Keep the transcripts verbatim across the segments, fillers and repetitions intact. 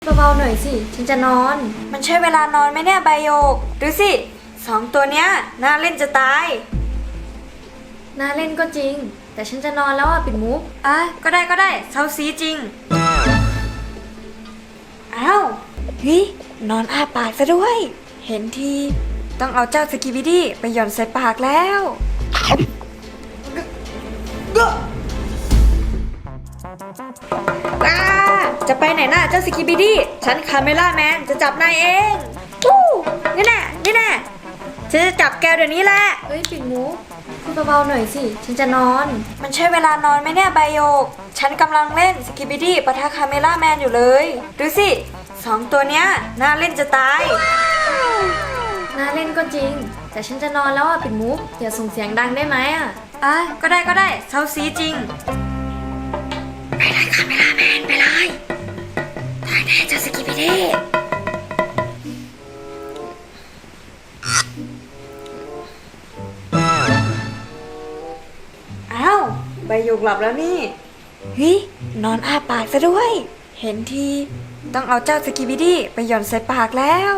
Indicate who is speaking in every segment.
Speaker 1: เบาๆหน่อยสิฉันจะนอนมันใช่เวลานอนไหมเนี่ยใบโยกดูสิสองตัวเนี้ยน่าเล่นจะตายน่าเล่นก็จริงแต่ฉันจะนอนแล้วอ่ะปิ่นมุกอ่ะก็ได้ก็ได้เซาซีจริงอ้าวเฮ้ยนอนอ้าปากซะด้วยเห็นทีต้องเอาเจ้าสกิบิดี้ไปหย่อนใส่ปากแล้วอ้าจะไปไหนน่ะเจ้าสกิบิดี้ฉันคาเมล่าแมนจะจับนายเองวู้นี่แน่นี่แน่ฉันจะจับแกเดี๋ยวนี้แหละเฮ้ยปิ่นมุกพูดเบาๆหน่อยสิฉันจะนอนมันใช่เวลานอนไหมเนี่ยใบโยกฉันกำลังเล่นสกิบิดี้ปะทะคาเมล่าแมนอยู่เลยดูสิสองตัวเนี้ยน่าเล่นจะตายน่าเล่นก็จริงแต่ฉันจะนอนแล้วอ่ะปิ่นมุกอย่าส่งเสียงดังได้ไหมอ่ะอ่ะก็ได้ก็ได้เซาซีจริงไปเลยคาเมล่าแมนไปเลยตายแน่เจ้าสกิบิดี้อ้าวใบหยกหลับแล้วนี่เฮ้ยนอนอ้าปากซะด้วยเห็นทีต้องเอาเจ้าสกิบิดี้ไปหย่อนใส่ปากแล้ว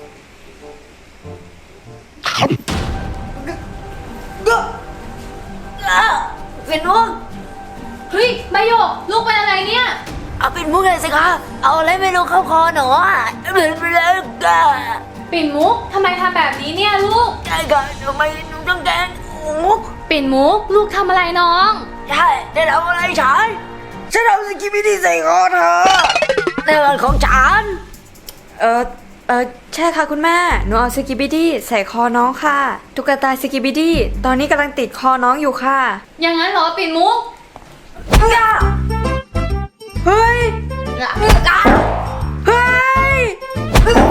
Speaker 1: เป็นมุก
Speaker 2: เฮ้ยใบโยกลูกเป็นอะไรเนี่ย
Speaker 1: เอาเป็นมุกเลยสิคะเอาอะไรไม่รู้เข้าคอหนูอ่ะเหมือนไปเลยกะ
Speaker 2: ปิ่นมุกทำไมทำแบบนี้เนี่ยลูก
Speaker 1: ใช่ค่ะทำไมหนูต้องแกล้งมุก
Speaker 2: ปิ่นมุกลูกทำอะไรน้อง
Speaker 1: ใช่ได้ทำอะไรฉันฉันเอาสกิบิดี้ใส่คอเธอในวันของฉันเออเออใช่ค่ะคุณแม่หนูเอาสกิบิดี้ใส่คอน้องค่ะตุ๊กตาสกิบิดี้ตอนนี้กำลังติดคอน้องอยู่ค่ะ
Speaker 2: อย่างนั้นเหรอปิ่นมุก
Speaker 1: เฮ้ยเฮ้ยก็เฮ้ยเฮ้ย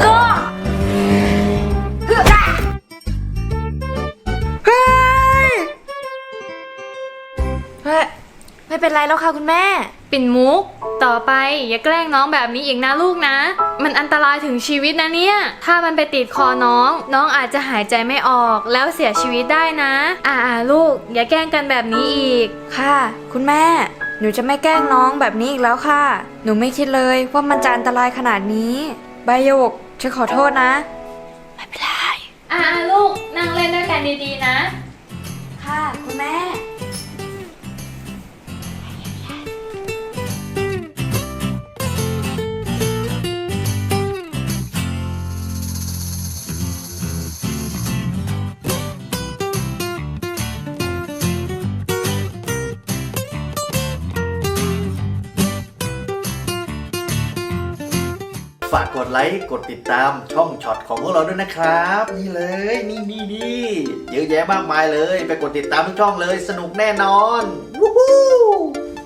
Speaker 1: เฮ้ยไม่เป็นไรแล้วค่ะคุณแม่
Speaker 2: ปิ่นมุกต่อไปอย่าแกล้งน้องแบบนี้อีกนะลูกนะมันอันตรายถึงชีวิตนะเนี่ยถ้ามันไปติดคอน้องน้องอาจจะหายใจไม่ออกแล้วเสียชีวิตได้นะอ่าลูกอย่าแกล้งกันแบบนี้อีก
Speaker 1: ค่ะคุณแม่หนูจะไม่แกล้งน้องแบบนี้อีกแล้วค่ะหนูไม่คิดเลยว่ามันจะอันตรายขนาดนี้ใบหยกฉันขอโทษนะไม่เป็นไร
Speaker 2: อ่าลูกนั่งเล่นด้วยกันดีๆนะ
Speaker 1: ค่ะคุณแม่
Speaker 3: ฝากกดไลค์กดติดตามช่องช็อตของพวกเราด้วยนะครับนี่เลยนี่นี่นี่เยอะแยะมากมายเลยไปกดติดตามทุกช่องเลยสนุกแน่นอนวู้ฮู้